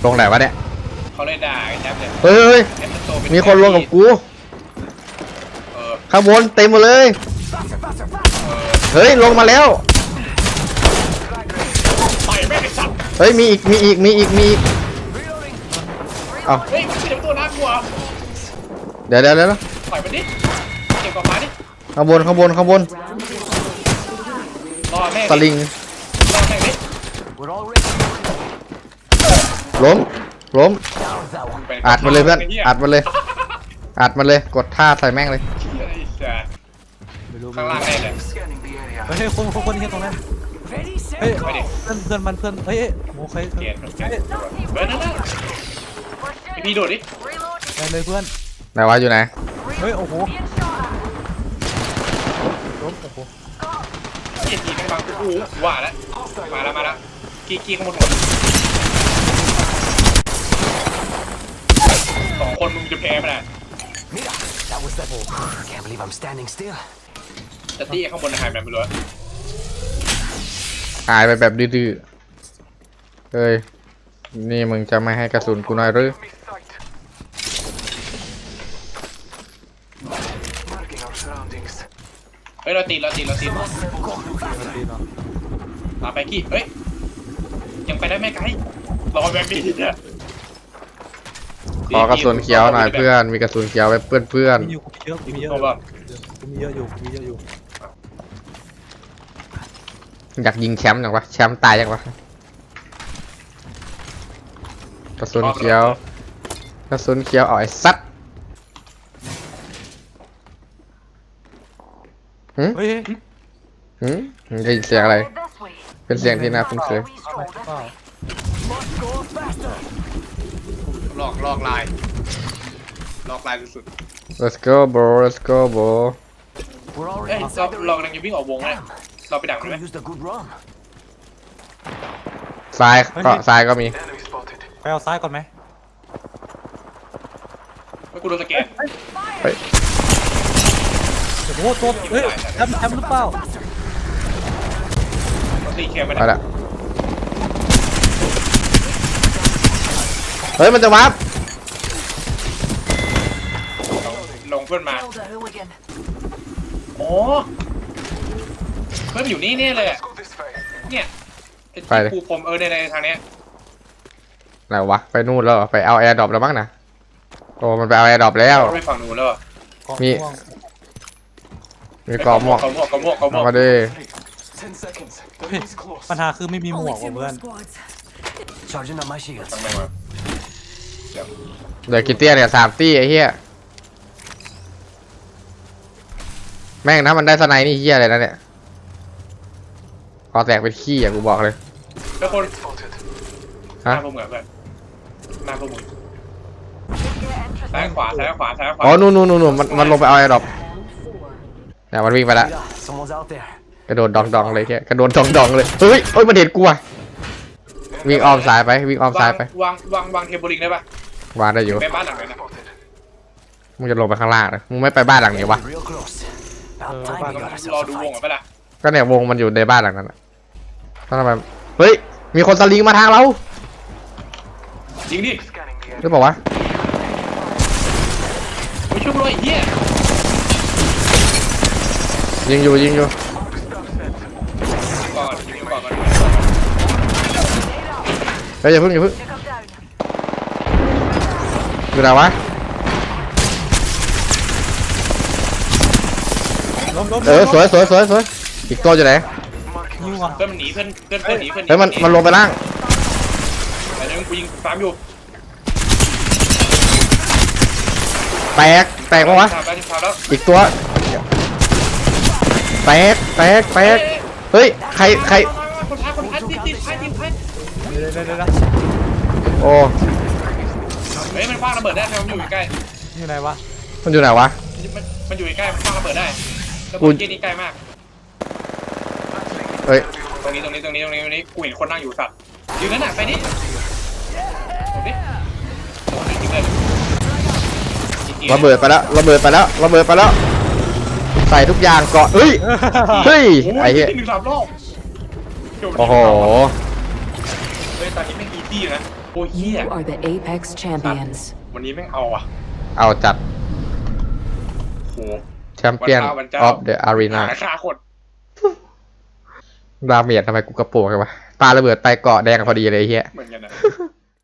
ลงไหนวะเนี่ยเขาเลยด่าไอ้แจ๊บเลยเฮ้ยมีคนลงกับกูข้างบนเต็มหมดเลยเฮ้ยลงมาแล้วต่อยแม่งไอ้สัตว์เฮ้ยมีอีกเอ้าเฮ้ยมันเป็นตัวน่ากลัวเดี๋ยวต่อยมันดิเก็บกล่องมาดิข้างบนรอแม่งสลิงรอแม่งดิล้มอัดมาเลยเพื่อนอัดมาเลยกดท่าใส่แม่งเลยข้างล่างแน่เลยเฮ้ยคนที่ตรงนั้นเฮ้ยเพื่อนมันเฮ้ยโอเคเฮ้ยนั่นพี่โดดดิไปเลยเพื่อนไหนวะอยู่ไหนเฮ้ยโอ้โหล้มโอ้โหกีแม่งบังกูว่าแล้วมาแล้วกีข้างบน2 คนมึงจะแพ้ไม่ได้จะตีข้างบนหายไปไม่รู้หายไปแบบดื้อเฮ้ยนี่มึงจะไม่ให้กระสุนกูหน่อยหรือเฮ้ยเราตีมาไปกี้เฮ้ยยังไปได้ไม่ไกลรอแบบนี้เนี่ยขอกระสุนเขียวหน่อยเพื่อนมีกระสุนเขียวไว้เพื่อนมีเยอะอยู่อยากยิงแชมป์จังวะแชมป์ตายจังวะกระสุนเขียวเอาไอ้ซัดเฮ้ยได้ยินเสียงอะไรเป็นเสียงที่น่าคุ้นเคยลอกลายสุด let's go bro เอ้ยเรากำลังจะวิ่งออกวงเลยเราไปดักมันไหมซ้ายก็มีไปเอาซ้ายก่อนไหมไม่กูโดนสแกนโอ้โหตัวเฮ้ยแชมป์หรือเปล่าตีแคมไปแล้วเฮ้ยมันจะวาร์ปลงเพื่อนมาโอ้เพื่อนอยู่นี่แน่เลยเนี่ยเป็นปูพรมในทางเนี้ยไหนวะไปนู่นแล้วไปเอาแอร์ดรอปแล้วมั้งนะโอ้มันไปเอาแอร์ดรอปแล้วไปฝั่งนู้นแล้วมีกรอบหมวกมาดิปัญหาคือไม่มีหมวกเพื่อนเดี๋ยวกิเตี้ยเนี่ย3 ตี้ไอ้เหี้ยแม่งนะมันได้สไนนี่เหี้ยอะไรนะเนี่ยพอแตกเป็นขี้อ่ะกูบอกเลยแล้วคนฮะพวกมึงแบบหน้าพวกมึงซ้ายขวาอ๋อนู่นมันลงไปเอาไอ้ดอกเนี่ยมันวิ่งไปละกระโดดดองเลยแค่กระโดดดองเลยเฮ้ยมันเห็นกูอ่ะวิ่งอ้อมซ้ายไปวางเทเบิลลิงได้ปะวางได้อยู่ไปบ้านหลังไหนนะมึงจะลงไปข้างล่างเลยมึงไม่ไปบ้านหลังนี้วะรอดูวงไปละก็เนี่ยวงมันอยู่ในบ้านหลังนั้นทำไมเฮ้ยมีคนสลิงมาทางเราจริงดิหรือเปล่าวะไม่ช่วยเลยเฮียยิงอยู่ก่อนเฮ้ยอย่าเพิ่งอยู่ไหนวะสวยอีกตัวอยู่ไหนเพื่อนมันหนีเพื่อนหนีเฮ้ยมันลงไปล่างแต่เดี๋ยวกูยิงตามอยู่แตกปะวะอีกตัวแตกเฮ้ยใครคนพัดติดโอ้เฮ้ยมันคว้างระเบิดได้ทำไมมันอยู่ใกล้อยู่ไหนวะมันอยู่ใกล้มันคว้างระเบิดได้แล้วกูที่นี่ใกล้มากเฮ้ยตรงนี้กูเห็นคนนั่งอยู่สัตว์อยู่นั่นน่ะไปนี่ระเบิดไปแล้วใส่ทุกอย่างเกาะเฮ้ยไอ้เหี้ยโอ้โหตอนนี้ไม่อีซี่ที่อยู่นะโอ้ยเฮีย You are the Apex champions. วันนี้แม่งเอาอ่ะเอาจัดโหแชมเปี้ยนออฟเดอะอารีนาหาฆ่าคนดาเมจทำไมกูกระโปรงกันวะปาระเบิดไปเกาะแดงพอดีเลยไอ้เฮียเหมือนกันนะ